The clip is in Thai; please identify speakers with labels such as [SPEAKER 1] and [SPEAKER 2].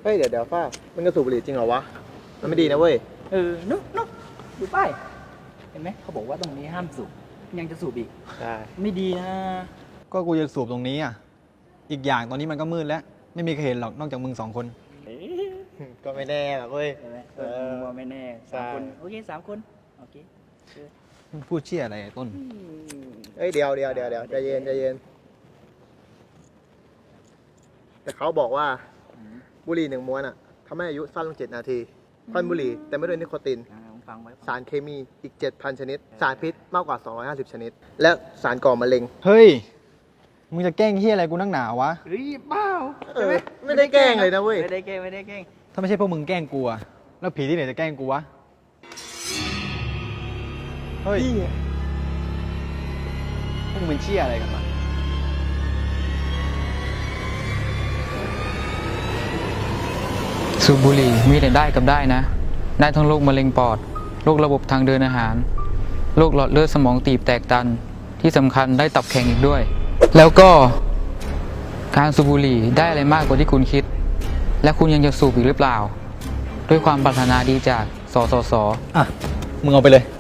[SPEAKER 1] ฮ้ยเดี๋ยวฟ้ามึงจะสูบบุหรี่จริงเหรอวะมันไม่ดีนะเว้ย
[SPEAKER 2] นุ๊กดูป้ายเห็นไหมเขาบอกว่าตรงนี้ห้ามสูบยังจะสูบอีก
[SPEAKER 1] ใช่
[SPEAKER 2] ไม่ดีนะ
[SPEAKER 3] ก็กูจะสูบตรงนี้อ่ะอีกอย่างตอนนี้มันก็มืดแล้วไม่มีใครเห็นหรอกนอกจากมึง2 คน
[SPEAKER 1] ก็ไม่แน่หรอกเว้ย
[SPEAKER 2] ใช่ไหมว่าไม่แน่3 คนโอเค3 คนโอเค
[SPEAKER 3] มึงพูดเชี่ยอะไรไอ้ต้น
[SPEAKER 1] เฮ้ยเดี๋ยวใจเย็นแต่เขาบอกว่าบุหรี่1 ม้วนอ่ะทำให้อายุสั้นลง7 นาทีควันบุหรี่แต่ไม่ด้วยนิโคติน
[SPEAKER 2] ฟังไว้
[SPEAKER 1] สารเคมีอีก 7,000 ชนิดสารพิษมากกว่า250 ชนิดและสารก่อมะเร็ง
[SPEAKER 3] เฮ้ยมึงจะแกล้งเฮียอะไรกูนักหนาวะ
[SPEAKER 2] เฮ้ยเปล่าใช่ไหม
[SPEAKER 1] ไม่ได้แกล้งเลยนะเว้ย
[SPEAKER 2] ไม่ได้แกล้ง
[SPEAKER 3] ถ้าไม่ใช่พวกมึงแกล้งกูอะแล้วผีที่ไหนจะแกล้งกูวะเฮ้ยพวกมึงเป็นเชี่ยอะไรกันวะ
[SPEAKER 4] สูบบุหรี่มีแต่ได้กับได้นะได้ทั้งโรคมะเร็งปอดโรคระบบทางเดินอาหารโรคหลอดเลือดสมองตีบแตกตันที่สำคัญได้ตับแข็งอีกด้วยแล้วก็การสูบบุหรี่ได้อะไรมากกว่าที่คุณคิดและคุณยังจะสูบอีกหรือเปล่าด้วยความปรารถนาดีจากสสส
[SPEAKER 3] อ่ะมึงเอาไปเลย